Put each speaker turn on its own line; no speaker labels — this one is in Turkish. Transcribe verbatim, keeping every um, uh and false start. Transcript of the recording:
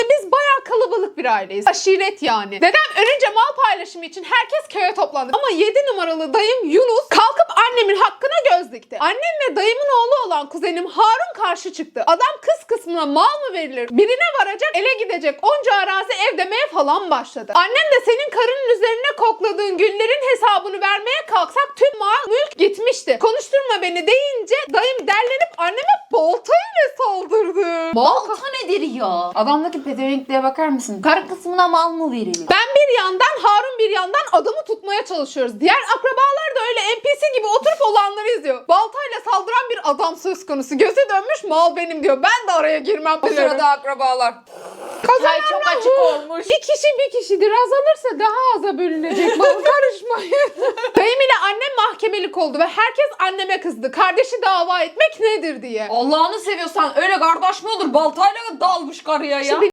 Biz bayağı kalabalık bir aileyiz. Aşiret yani. Dedem ölünce mal paylaşımı için herkes köye toplandı. Ama yedi numaralı dayım Yunus kalkıp annemin hakkına göz dikti. Annem ve dayımın oğlu olan kuzenim Harun karşı çıktı. Adam kız kısmına mal mı verilir? Birine varacak, ele gidecek onca arazi ev demeye falan başladı. Annem de senin karının üzerine kokladığın güllerin hesabını vermeye kalksak tüm mal mülk gitmişti. Konuşturma beni deyince dayım derlenip anneme baltayla saldırdı.
Balta nedir ya? Adamdaki pezevenkliğe bakar mısın? Karı kısmına mal mı verilir?
Ben bir yandan, Harun bir yandan adamı tutmaya çalışıyoruz. Diğer akrabalar da öyle N P C gibi oturup olanları izliyor. Baltayla saldıran bir adam söz konusu. Gözü dönmüş, mal benim diyor. Ben de araya girmem.
Bu sırada akrabalar.
Kazanan
çok
da
açık
bu.
olmuş.
Bir kişi bir kişidir. Azalırsa daha aza bölünecek. Bana karışmayın. Dayım ile annem mahkemelik oldu ve herkes anneme kızdı. Kardeşi dava etmek nedir diye.
Allah'ını seviyorsan öyle kardeş mi olur? Baltayla dalmış karıya ya.
Şimdi